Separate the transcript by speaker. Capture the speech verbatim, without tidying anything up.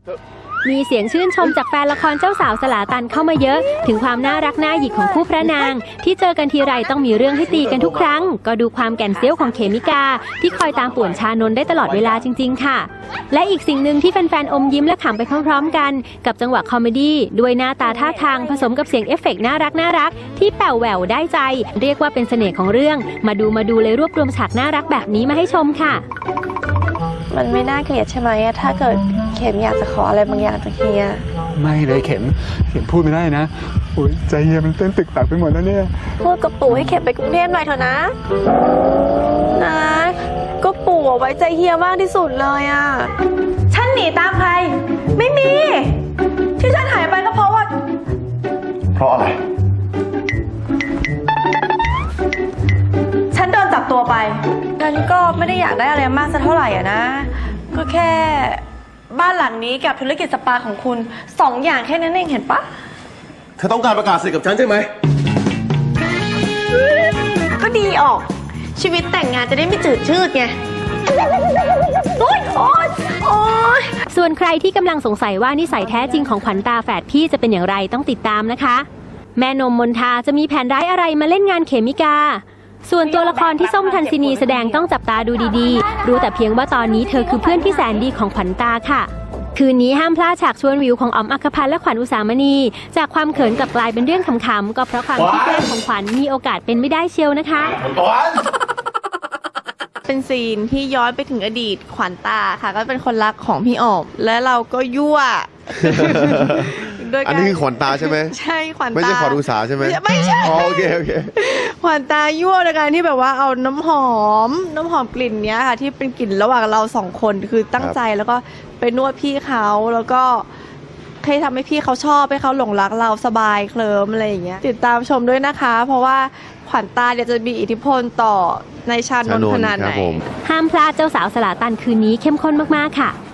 Speaker 1: มีเสียงชื่นชมจากแฟนละครเจ้าสาวสลาตันเข้ามาเยอะถึงความน่ารักน่าหยิกของคู่พระนางที่เจอกันทีไรต้องมีเรื่องให้ตีกันทุกครั้งก็ดูความแก่นเซี้ยวของเขมิกาที่คอยตามป่วนชานนท์ได้ตลอดเวลาจริงๆค่ะและอีกสิ่งหนึ่งที่แฟนๆอมยิ้มและขำไปพร้อมๆกันกับจังหวะคอมเมดี้ด้วยหน้าตาท่าทางผสมกับเสียงเอฟเฟกต์น่ารักน่ารักที่แป๋วแหววได้ใจเรียกว่าเป็นเสน่ห์ของเรื่องมาดูมาดูเลยรวบรวมฉากน่ารักแบบนี้มาให้ชมค่ะ
Speaker 2: มันไม่น่าเกลียดใช่ไหมถ้าเกิดเข็มอยากจะขออะไรบางอย่างจากเฮีย
Speaker 3: ไม่เลยเข็มเข็มพูดไม่ได้นะโอ้ยใจเฮียมันเต้นตึกตักไปหมดแล้วเนี่ย
Speaker 2: พูดกับปู่ให้เข็มไปกรุงเทพหน่อยเถอะนะนะก็ปู่ไว้ใจเฮียมากที่สุดเลยอ่ะฉันหนีตามใครไม่มีที่ฉันหายไปก็เพราะว่า
Speaker 4: เพราะอะไร
Speaker 2: ฉันโดนจับตัวไปฉันก็ไม่ได้อยากได้อะไรมากสักเท่าไหร่อ่ะนะก็แค่บ้านหลังนี้กับธุรกิจสปาของคุณสองอย่างแค่นั้นเองเห็นปะ
Speaker 4: เธอต้องการประกาศสิทธิ์กับฉันใช่ไหม
Speaker 2: ก็ดีออกชีวิตแต่งงานจะได้ไม่จืดชืดไงโอ๊ยโอ๊ยโอ๊ย
Speaker 1: ส่วนใครที่กำลังสงสัยว่านิสัยแท้จริงของขวัญตาแฝดพี่จะเป็นอย่างไรต้องติดตามนะคะแม่นมมนทาจะมีแผนร้ายอะไรมาเล่นงานเขมิกาส่วนตัวละครที่ส้มทันซินีแสดงต้องจับตาดูดีๆรู้แต่เพียงว่าตอนนี้เธอคือเพื่อนที่แสนดีของขวัญตาค่ะคืนนี้ห้ามพลาดฉากชวนวิวของอ๋อมอัครพันธ์และขวัญอุสามณีจากความเขินกลับกลายเป็นเรื่องขำๆก็เพราะความที่แกล้งของขวัญมีโอกาสเป็นไม่ได้เชียวนะคะ
Speaker 2: เป็นซีนที่ย้อนไปถึงอดีตขวัญตาค่ะก็เป็นคนรักของพี่อ๋อมและเราก็ยั่ว
Speaker 5: อันนี้คือขวัญตาใช่ไหม
Speaker 2: ใช่ขวัญตา
Speaker 5: ไม่ใช่ขวัญอุสาใช่ไหม
Speaker 2: ไม่ใช่
Speaker 5: โอเคโอเค
Speaker 2: ขวัญตายั่วในการที่แบบว่าเอาน้ำหอมน้ำหอมกลิ่นเนี้ยค่ะที่เป็นกลิ่นระหว่างเราสองคนคือตั้งใจแล้วก็ไปนวดพี่เขาแล้วก็ให้ทำให้พี่เขาชอบให้เขาหลงรักเราสบายเคลิ้มอะไรอย่างเงี้ยติดตามชมด้วยนะคะเพราะว่าขวัญตาเดี๋ยวจะมีอิทธิพลต่อในชานนท์ขนาดไหน
Speaker 1: ห้ามพลาดเจ้าสาวสลาตันคืนนี้เข้มข้นมากๆค่ะ